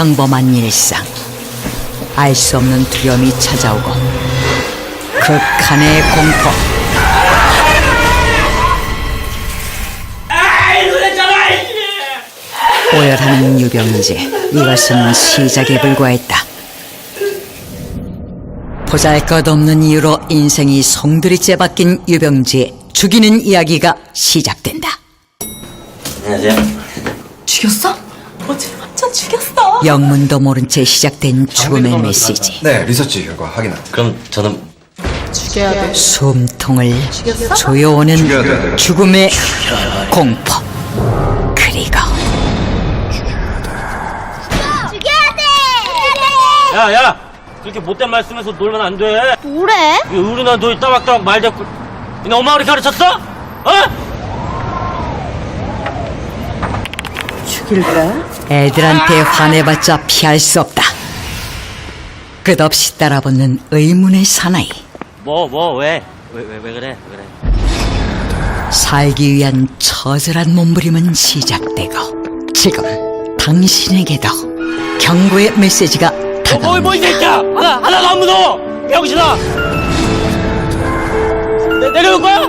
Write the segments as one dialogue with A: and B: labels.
A: 평범한 일상. 알 수 없는 두려움이 찾아오고 극한의 공포. 오열하는 유병재. 이것은 시작에 불과했다. 보잘것없는 이유로 인생이 송두리째 바뀐 유병재의 죽이는 이야기가 시작된다.
B: 안녕하세요.
C: 죽였어? 어제 완전 죽였어.
A: 영문도 모른 채 시작된 죽음의 메시지.
D: 네, 리서치 결과 확인합니다.
B: 그럼 저는
C: 죽여야 돼.
A: 숨통을
C: 죽였어?
A: 조여오는
D: 죽여야 돼.
A: 죽음의 공포. 그리고
B: 야 그렇게 못된 말씀해서 놀면 안 돼.
E: 뭐래?
B: 이 어른아 너 따박따박 말 대꾸. 너 엄마 우리 가르쳤어?
C: 죽일래?
A: 애들한테 화내봤자 피할 수 없다. 끝없이 따라붙는 의문의 사나이.
B: 왜 그래?
A: 살기 위한 처절한 몸부림은 시작되고 지금 당신에게도 경고의 메시지가 다가온다.
B: 이 새끼야! 하나도 안 무서워! 병신아! 내려올 거야?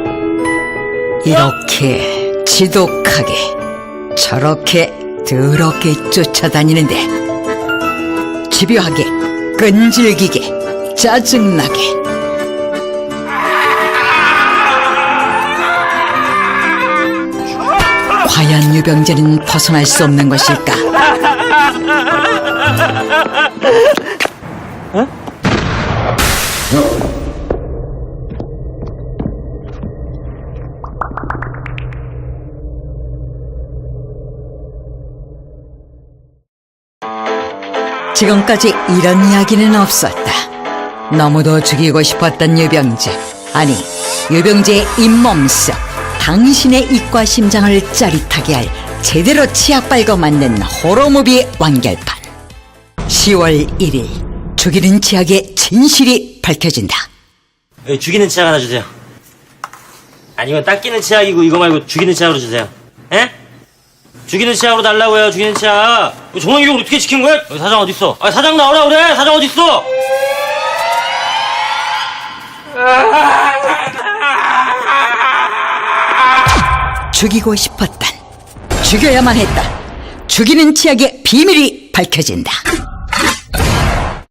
A: 이렇게 지독하게 저렇게 더럽게 쫓아다니는데 집요하게 끈질기게 짜증나게 과연 유병재는 벗어날 수 없는 것일까? 지금까지 이런 이야기는 없었다. 너무도 죽이고 싶었던 유병재. 아니, 유병재의 잇몸 속 당신의 입과 심장을 짜릿하게 할 제대로 치약 빨고 만든 호러무비의 완결판. 10월 1일 죽이는 치약의 진실이 밝혀진다.
B: 죽이는 치약 하나 주세요. 아니 이건 닦이는 치약이고 이거 말고 죽이는 치약으로 주세요. 에? 죽이는 치약으로 달라고요. 죽이는 치약. 정황 이걸 어떻게 시킨 거야? 사장 어딨어? 사장 나오라 그래. 사장 어딨어?
A: 죽이고 싶었단, 죽여야만 했다. 죽이는 치약의 비밀이 밝혀진다.